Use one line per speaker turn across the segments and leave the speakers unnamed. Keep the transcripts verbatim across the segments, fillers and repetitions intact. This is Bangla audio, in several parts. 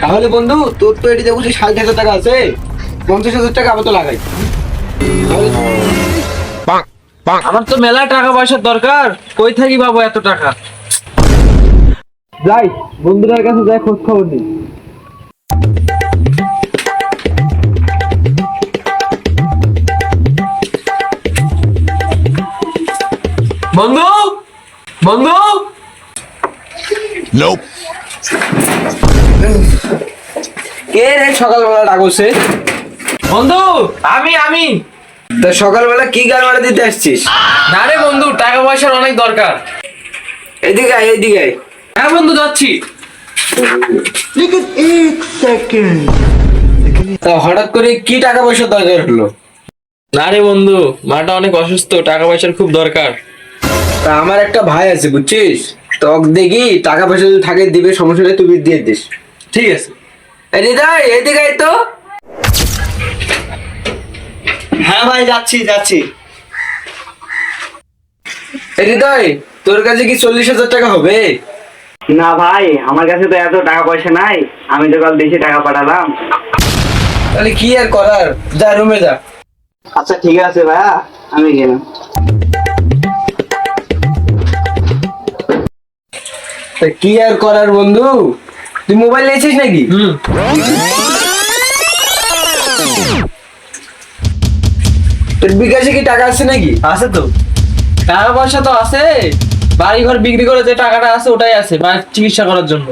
তাহলে বন্ধু তোর তো এটি দেখছি ষাট হাজার টাকা আছে, পঞ্চাশ হাজার টাকা আবার তো লাগাই।
আমার তো মেলা টাকা পয়সার দরকার, কই থাকি পাবো এত টাকা?
যাই বন্ধুদের কাছে যাই খোঁজ খবর নিই।
বন্ধু বন্ধু
কে রে সকালবেলা ডাকছে?
বন্ধু আমি আমি
তা সকালবেলা কি গাল মারা দিতে আসছিস?
না রে বন্ধু, টাকা পয়সার অনেক দরকার।
এদিকে আয়, এদিকে আয়।
হ্যাঁ বন্ধু, যাচ্ছি।
তা হঠাৎ করে কি টাকা পয়সার দরকার হলো?
না রে বন্ধু, মাটা অনেক অসুস্থ, টাকা পয়সার খুব দরকার।
তা আমার একটা ভাই আছে বুঝছিস, তক দেখি টাকা পয়সা যদি থাকে দিবে, সমস্যা নেই, তুই দিয়ে দিস।
ঠিক আছে।
এদিকে আয়, এদিকে আয় তো।
হ্যাঁ ভাই, যাচ্ছি যাচ্ছি।
হৃদয়, তোর কাছে কি চল্লিশ হাজার টাকা হবে?
না ভাই, আমার কাছে তো এত টাকা পয়সা নাই, আমি তো কাল দেশে টাকা পাঠালাম।
তাহলে কি আর করার, যা রুমে যা।
আচ্ছা ঠিক আছে ভাইয়া, আমি গেলাম।
তা কি আর করার বন্ধু, তুই মোবাইল নিয়েছিস নাকি?
হুম।
তোর বিকাশে কি টাকা আছে নাকি?
আছে তো, টাকা পয়সা তো আছে, বাড়ি ঘর বিক্রি করে যে টাকাটা আছে ওটাই আছে মায়ের চিকিৎসা করার জন্য।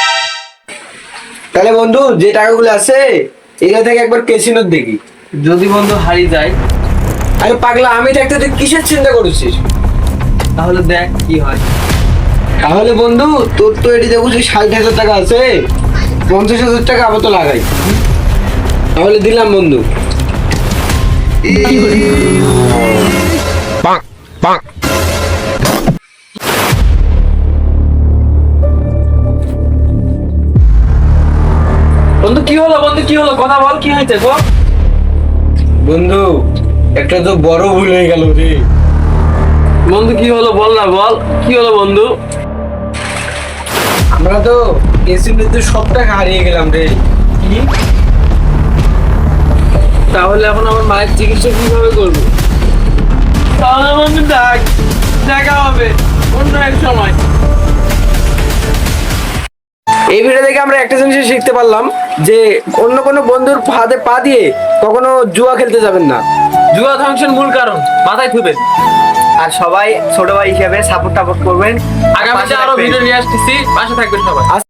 তাহলে বন্ধু যে টাকাগুলো আছে এগুলো থেকে একবার ক্যাসিনোর দেখি।
যদি বন্ধু হারিয়ে যায়
আরে পাগলা, আমি থাকতে তুই কিসের চিন্তা করছিস?
তাহলে দেখ কি হয়।
তাহলে বন্ধু তোর তো এটি দেখছি ষাট হাজার টাকা আছে, পঞ্চাশ হাজার টাকা আবার তো লাগাই। তাহলে দিলাম বন্ধু।
বন্ধু কি হলো? বন্ধু কি হলো? কথা বল, কি হয়েছে গো?
বন্ধু একটা তো বড় ভুল হয়ে গেল রে।
বন্ধু কি হলো বল না, বল কি হলো বন্ধু?
আমরা তো ক্যাসিনোতে সব টাকা হারিয়ে গেলাম রে।
কি? তাহলে এখন আমার মায়ের চিকিৎসা কিভাবে করবো? তাহলে বন্ধু দেখ, দেখা হবে অন্য এক সময়।
এই ভিডিও থেকে আমরা একটা জিনিস শিখতে পারলাম যে অন্য কোনো বন্ধুর ফাঁদে পা দিয়ে কখনো জুয়া খেলতে যাবেন না।
জুয়া ধ্বংসের মূল কারণ, মাথায় থুবেন।
আর সবাই ছোট ভাই হিসেবে সাপোর্ট টাপোর্ট করবেন।
আগামীতে আরো ভিডিও নিয়ে আসতেছি, পাশে থাকবেন সবাই।